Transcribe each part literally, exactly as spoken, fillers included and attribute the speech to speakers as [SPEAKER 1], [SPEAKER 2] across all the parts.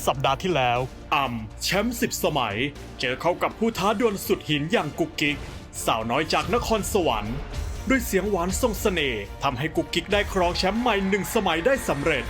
[SPEAKER 1] สัปดาห์ที่แล้วอ่ำแชมป์สิบสมัยเจอเข้ากับผู้ท้าดวลสุดหินอย่างกุ๊กกิ๊กสาวน้อยจากนครสวรรค์ด้วยเสียงหวานทรงเสน่ห์ทำให้กุ๊กกิ๊กได้ครองแชมป์ใหม่หนึ่งสมัยได้สำเร็จ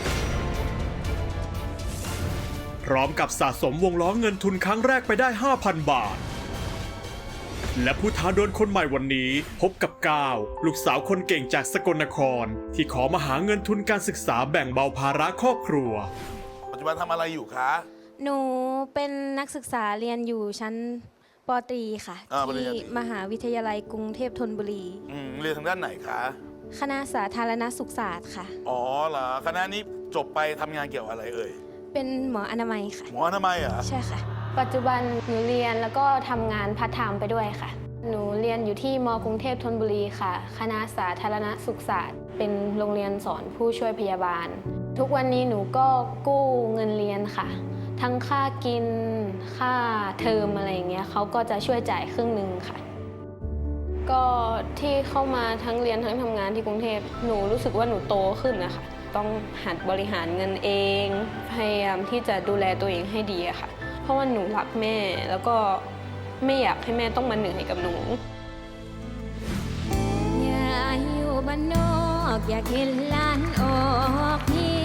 [SPEAKER 1] พร้อมกับสะสมวงล้อเงินทุนครั้งแรกไปได้ ห้าพัน บาทและผู้ท้าดวลคนใหม่วันนี้พบกับก้าวลูกสาวคนเก่งจากสกลนครที่ขอมาหาเงินทุนการศึกษาแบ่งเบาภาระครอบครัว
[SPEAKER 2] ปัจจุบันทำอะไรอยู่คะ
[SPEAKER 3] หนูเป็นนักศึกษาเรียนอยู่ชั้นป.ตรีค่ะที่มหาวิทยาลัยกรุงเทพธนบุรี
[SPEAKER 2] อืมเรียนทางด้านไหนคะ
[SPEAKER 3] คณะสาธารณสุขศาสตร์ค่ะ
[SPEAKER 2] อ๋อเหรอคณะนี้จบไปทำงานเกี่ยวอะไรเอ่ย
[SPEAKER 3] เป็นหมออนามัยค่ะ
[SPEAKER 2] หมออนามัยเหรอ
[SPEAKER 3] ใช่ค่ะปัจจุบันหนูเรียนแล้วก็ทำงานพาร์ทไทม์ไปด้วยค่ะหนูเรียนอยู่ที่มกรุงเทพธนบุรีค่ะคณะสาธารณสุขศาสตร์เป็นโรงเรียนสอนผู้ช่วยพยาบาลทุกวันนี้หนูก็กู้เงินเรียนค่ะทั้งค่ากินค่าเทอมอะไรอย่างเงี้ยเขาก็จะช่วยจ่ายครึ่งหนึ่งค่ะก็ที่เข้ามาทั้งเรียนทั้งทำงานที่กรุงเทพหนูรู้สึกว่าหนูโตขึ้นนะคะต้องหัดบริหารเงินเองพยายามที่จะดูแลตัวเองให้ดีอะค่ะเพราะว่าหนูรักแม่แล้วก็ไม่อยากให้แม่ต้องมาเหนื่อยกับหนู
[SPEAKER 4] อยากอยู่บ้านนอกอยากเห็นหลานออกเฮี